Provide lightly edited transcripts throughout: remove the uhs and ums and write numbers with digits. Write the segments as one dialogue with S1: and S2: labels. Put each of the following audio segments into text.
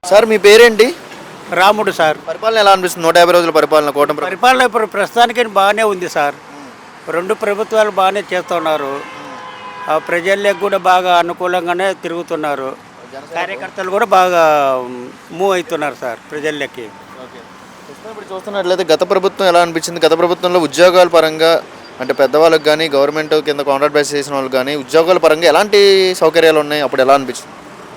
S1: Sir మీ పేరేంటి?
S2: రాముడు sir.
S1: పరిపాలన ఎలా అనిపిస్తుంది? 150 రోజుల పరిపాలన కూటమి ప్రభుత్వం.
S2: పరిపాలన ఇప్పుడు ప్రస్తుతానికి బాగానే ఉంది సార్. రెండు ప్రభుత్వాలు బాగానే చేస్తున్నారు. ఆ ప్రజలకు కూడా బాగా అనుకూలంగానే తిరుగుతున్నారు. కార్యకర్తలు కూడా బాగా మూవ్ అవుతున్నారు సార్ ప్రజల్లోకి.
S1: ఇప్పుడు చూస్తున్నట్లయితే గత ప్రభుత్వం ఎలా అనిపించింది? గత ప్రభుత్వంలో ఉద్యోగాల పరంగా అంటే పెద్దవాళ్ళకి కానీ గవర్నమెంట్ కింద కాంట్రాక్ట్ బేస్ చేసిన వాళ్ళకి కానీ ఉద్యోగాల పరంగా ఎలాంటి సౌకర్యాలు ఉన్నాయి? అప్పుడు ఎలా అనిపించింది?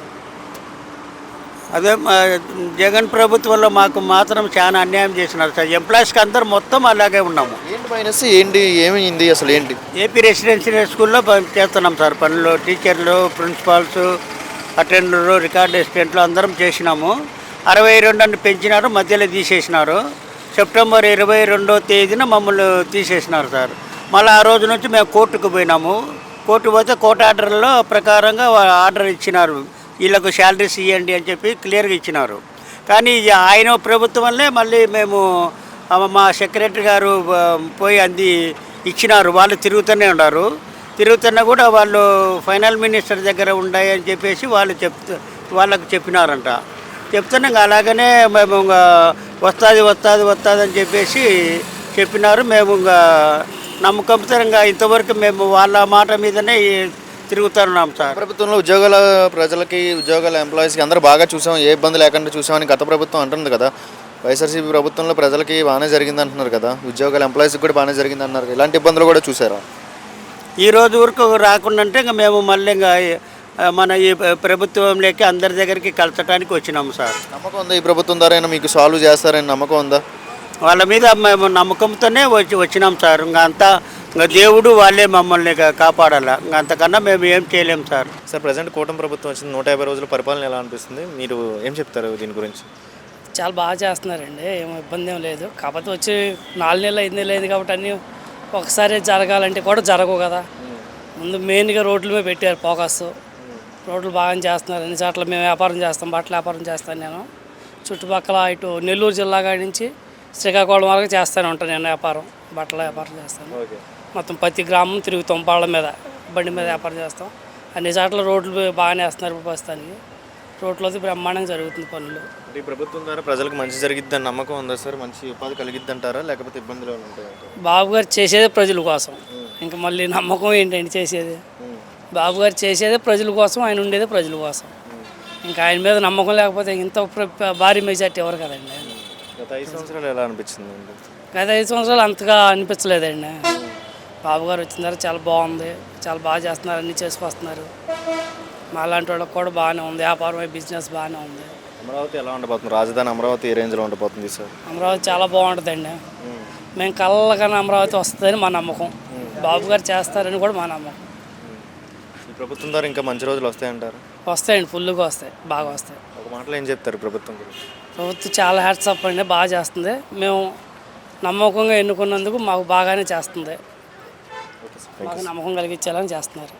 S2: అదే జగన్ ప్రభుత్వంలో మాకు మాత్రం చాలా అన్యాయం చేసినారు సార్. ఎంప్లాయీస్కి అందరూ మొత్తం అలాగే ఉన్నాము.
S1: ఏంటి మైనస్ ఏంటి ఏమైంది అసలు ఏంటి?
S2: ఏపీ రెసిడెన్షియల్ స్కూల్లో చేస్తున్నాం సార్ పనులు. టీచర్లు, ప్రిన్సిపాల్స్, అటెండర్లు, రికార్డ్ అసిస్టెంట్లు అందరం చేసినాము. 62 అని పెంచినారు, మధ్యలో తీసేసినారు. సెప్టెంబర్ 22వ తేదీన మమ్మల్ని తీసేసినారు సార్. మళ్ళీ ఆ రోజు నుంచి మేము కోర్టుకు పోయినాము. కోర్టు పోతే కోర్టు ఆర్డర్లో ప్రకారంగా ఆర్డర్ ఇచ్చినారు, వీళ్ళకు శాలరీస్ ఇవ్వండి అని చెప్పి క్లియర్గా ఇచ్చినారు. కానీ ఆయన ప్రభుత్వం వల్లే మళ్ళీ మేము మా సెక్రటరీ గారు పోయి అంది ఇచ్చినారు. వాళ్ళు తిరుగుతూనే ఉన్నారు. తిరుగుతున్నా కూడా వాళ్ళు ఫైనల్ మినిస్టర్ దగ్గర ఉన్నాయి అని చెప్పేసి వాళ్ళకు చెప్పినారంట. చెప్తున్నా ఇంకా అలాగనే మేము ఇంకా వస్తుంది అని చెప్పేసి చెప్పినారు. మేము ఇంకా నమ్మకంతో ఇంకా ఇంతవరకు మేము వాళ్ళ మాట మీదనే తిరుగుతున్నాం సార్.
S1: ప్రభుత్వంలో ప్రజలకి ఉద్యోగాల ఎంప్లాయీస్కి అందరూ బాగా చూసాం, ఏ ఇబ్బంది లేకుండా చూసామని గత ప్రభుత్వం అంటుంది కదా. వైఎస్ఆర్సీపీ ప్రభుత్వంలో ప్రజలకి బాగానే జరిగింది అంటున్నారు కదా, ఉద్యోగాల ఎంప్లాయీస్కి కూడా బాగానే జరిగింది అంటున్నారు. ఇలాంటి ఇబ్బందులు కూడా చూసారా?
S2: ఈ రోజు వరకు రాకుండా అంటే ఇంకా మేము మళ్ళీ ఇంకా మన ఈ ప్రభుత్వంలోకి అందరి దగ్గరికి కలచడానికి వచ్చినాము సార్.
S1: నమ్మకం ఉందా ఈ ప్రభుత్వం ద్వారా మీకు సాల్వ్ చేస్తారని నమ్మకం ఉందా?
S2: వాళ్ళ మీద మేము నమ్మకంతోనే వచ్చినాం సార్. ఇంకా దేవుడు వాళ్ళే మమ్మల్ని కాపాడాలా. ఇంకా అంతకన్నా మేము ఏం చేయలేము సార్.
S1: సార్ ప్రజెంట్ కూటమి ప్రభుత్వం వచ్చింది, 150 రోజుల పరిపాలన ఎలా అనిపిస్తుంది? మీరు ఏం చెప్తారు దీని గురించి?
S3: చాలా బాగా చేస్తున్నారండి, ఏం ఇబ్బంది ఏం లేదు. కాకపోతే వచ్చి 4 నెలలు 5 నెలలు అయింది కాబట్టి అన్నీ ఒకసారి జరగాలంటే కూడా జరగవు కదా. ముందు మెయిన్గా రోడ్ల మీద పెట్టారు ఫోకస్. రోడ్లు బాగా చేస్తున్నారు. అన్ని చోట్ల మేము వ్యాపారం చేస్తాం, బట్టల వ్యాపారం చేస్తాను నేను. చుట్టుపక్కల ఇటు నెల్లూరు జిల్లా కాడి నుంచి శ్రీకాకుళం వరకు చేస్తూనే ఉంటాను నేను వ్యాపారం, బట్టల వ్యాపారం చేస్తాను. మొత్తం ప్రతి గ్రామం తిరుగుతాం, బాళ్ళ మీద బండి మీద వ్యాపారం చేస్తాం. అన్ని చోట్ల రోడ్లు బాగానే వేస్తున్నారు. ప్రస్తుతానికి రోడ్లు బ్రహ్మాండంగా జరుగుతుంది పనులు.
S1: ఈ ప్రభుత్వం ద్వారా ప్రజలకు మంచి జరిగిద్దని నమ్మకం ఉందా సార్? మంచి ఉపాధి కలిగిద్ది అంటారా, లేకపోతే ఇబ్బందులు ఉంటాయంటారా?
S3: బాబు గారు చేసేదే ప్రజల కోసం, ఇంకా మళ్ళీ నమ్మకం ఏంటండి? చేసేది బాబు గారు చేసేదే ప్రజల కోసం, ఆయన ఉండేదే ప్రజల కోసం. ఇంకా ఆయన మీద నమ్మకం లేకపోతే ఇంత భారీ మెజార్టీ ఎవరు కదండి.
S1: గత 5 సంవత్సరాలు ఎలా అనిపించింది?
S3: గత 5 సంవత్సరాలు అంతగా అనిపించలేదండి. బాబు గారు వచ్చిన తర్వాత చాలా బాగుంది, చాలా బాగా చేస్తున్నారు, అన్నీ చేసుకొస్తున్నారు. మా లాంటి వాళ్ళకి కూడా బాగానే ఉంది, వ్యాపారం బిజినెస్ బాగానే ఉంది.
S1: అమరావతి ఎలా ఉండబోతుంది? రాజధాని అమరావతి ఏ రేంజ్లో ఉండబోతుంది సార్?
S3: అమరావతి చాలా బాగుంటుందండి. మేము కళ్ళకన్నా అమరావతి వస్తుందని మా నమ్మకం, బాబు గారు చేస్తారని కూడా మా నమ్మకం.
S1: ఈ ప్రభుత్వం ద్వారా ఇంకా మంచి రోజులు వస్తాయంటారు?
S3: వస్తాయండి, ఫుల్గా వస్తాయి, బాగా వస్తాయి.
S1: ఒక మాటలో ఏం చెప్తారు ప్రభుత్వం గురించి?
S3: ప్రభుత్వం చాలా హ్యాట్స్ ఆఫ్ అండి, బాగా చేస్తుంది. మేము నమ్మకంగా ఎన్నుకున్నందుకు మాకు బాగానే చేస్తుంది, మాకు నమ్మకం కలిగించేలాగా చేస్తున్నారు.